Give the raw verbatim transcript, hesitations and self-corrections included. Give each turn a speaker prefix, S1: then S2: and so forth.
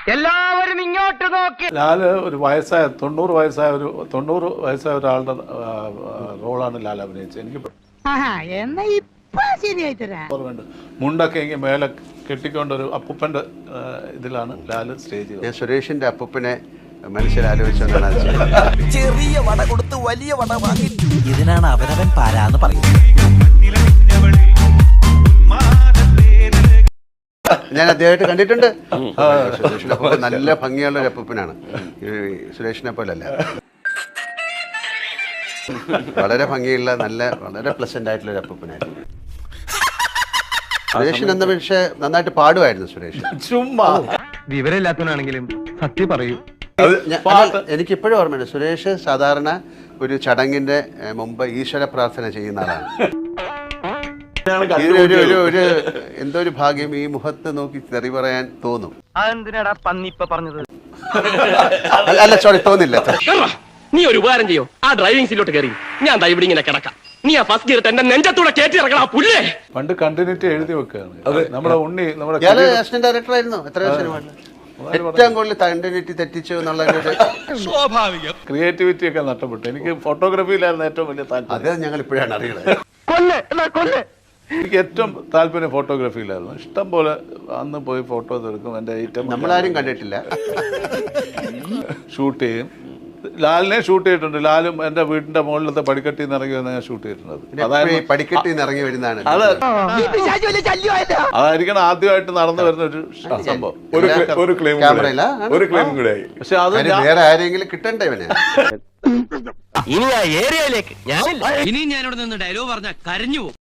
S1: എല്ലാവരും ഇങ്ങോട്ട് നോക്കി.
S2: ലാല് ഒരു വയസ്സായ തൊണ്ണൂറ് വയസ്സായ ഒരു തൊണ്ണൂറ് വയസ്സായ ഒരാളുടെ റോളാണ് ലാൽ അഭിനയിച്ചത്. എനിക്ക് ഓർമ്മയുണ്ട്, മുണ്ടൊക്കെ എങ്കിൽ മേലെ കെട്ടിക്കൊണ്ടൊരു അപ്പൂപ്പന്റെ ഇതിലാണ് ലാല് സ്റ്റേജ് ചെയ്തത്.
S3: ഞാൻ സുരേഷിന്റെ അപ്പൂപ്പനെ മനസ്സിലാലോചിച്ചാണ്
S4: ചെറിയ വട കൊടുത്ത് വലിയ വട വാങ്ങി. ഇതിനാണ് അവനവൻ പാരാന്ന് പറയുന്നത്.
S3: ഞാൻ അദ്ദേഹമായിട്ട് കണ്ടിട്ടുണ്ട്. സുരേഷിന്റെ അപ്പൂപ്പൻ നല്ല ഭംഗിയുള്ള ഒരു അപ്പൂപ്പനാണ്, സുരേഷിനെ പോലല്ല. വളരെ ഭംഗിയുള്ള നല്ല വളരെ പ്ലസന്റ് ആയിട്ടുള്ള ഒരു അപ്പൂപ്പനായിരുന്നു സുരേഷിന്. എന്ന പക്ഷേ നന്നായിട്ട് പാടുമായിരുന്നു സുരേഷ്.
S2: ചുമ്മാ
S1: വിവരമില്ലാത്തവനാണെങ്കിലും സത്യം പറയൂ.
S3: എനിക്കിപ്പോഴും ഓർമ്മയുണ്ട്, സുരേഷ് സാധാരണ ഒരു ചടങ്ങിന്റെ മുമ്പ് ഈശ്വര പ്രാർത്ഥന ചെയ്യുന്ന ആളാണ്. ഒരു എന്തോ ഒരു ഭാഗ്യം ഈ മുഖത്ത് നോക്കി തെറി പറയാൻ തോന്നും.
S1: അതെന്തിനാടാ പന്നി ഇപ്പൊ പറഞ്ഞത്?
S3: അല്ല സോറി, തോന്നില്ല.
S5: നീ ഒരു ഉപകാരം ചെയ്യോ, ആ ഡ്രൈവിംഗ് സീറ്റിലോട്ട് കയറി ഞാൻ ദാ ഇവിടെ ഇങ്ങനെ കിടക്കാം. നീ ആ ഫസ്റ്റ് ഗിയർ എന്റെ നെഞ്ചത്തൂടെ കയറ്റി ഇറങ്ങണം പുല്ലേ.
S2: പണ്ട് കണ്ടിന്യൂറ്റി എഴുതി വെക്കുകയാണ് നമ്മുടെ ഉണ്ണി. നമ്മുടെ
S3: അസിസ്റ്റന്റ് ഡയറക്ടർ ആയിരുന്നു എത്രയോ സിനിമകളിൽ. ഏറ്റവും കൂടുതൽ കണ്ടിന്യൂറ്റി തെറ്റിച്ചു എന്നുള്ള
S4: സ്വാഭാവികം.
S2: ക്രിയേറ്റിവിറ്റി ഒക്കെ നഷ്ടപ്പെട്ടു. എനിക്ക് ഫോട്ടോഗ്രാഫിയിലായിരുന്നു ഏറ്റവും വലിയ താല്പര്യം.
S3: അത് ഞങ്ങൾ ഇപ്പോഴാണ് അറിയുന്നത്.
S2: എനിക്ക് ഏറ്റവും താല്പര്യം ഫോട്ടോഗ്രാഫിയിലായിരുന്നു. ഇഷ്ടം പോലെ അന്ന് പോയി ഫോട്ടോ എടുക്കും. എൻ്റെ ഐറ്റം
S3: നമ്മളാരും കണ്ടിട്ടില്ല.
S2: ഷൂട്ട് ചെയ്യും. ലാലിനെ ഷൂട്ട് ചെയ്തിട്ടുണ്ട്. ലാലും എൻ്റെ വീടിന്റെ മുകളിലത്തെ പടിക്കെട്ടിൽ നിന്ന് ഇറങ്ങി വന്ന് ഞാൻ ഷൂട്ട് ചെയ്തിട്ടുണ്ട്.
S3: അതായത് പടിക്കെട്ടിൽ നിന്ന് ഇറങ്ങി വരുന്നതാണ്.
S2: അത് അതായിരിക്കണം ആദ്യമായിട്ട് നടന്നു വരുന്ന ഒരു സംഭവം.
S6: ഒരു ക്ലെയിം ഒരു ക്ലെയിം കൂടെ ആയി.
S2: പക്ഷെ അത്
S3: വേറെ ആരെങ്കിലും കിട്ടണ്ടേ ഇവനെ?
S5: ഇനി ആ ഏരിയയിലേക്ക് ഞാൻ
S4: ഇനി ഞാനിവിടെ നിന്ന് ഡയലോഗ് പറഞ്ഞ കരഞ്ഞു.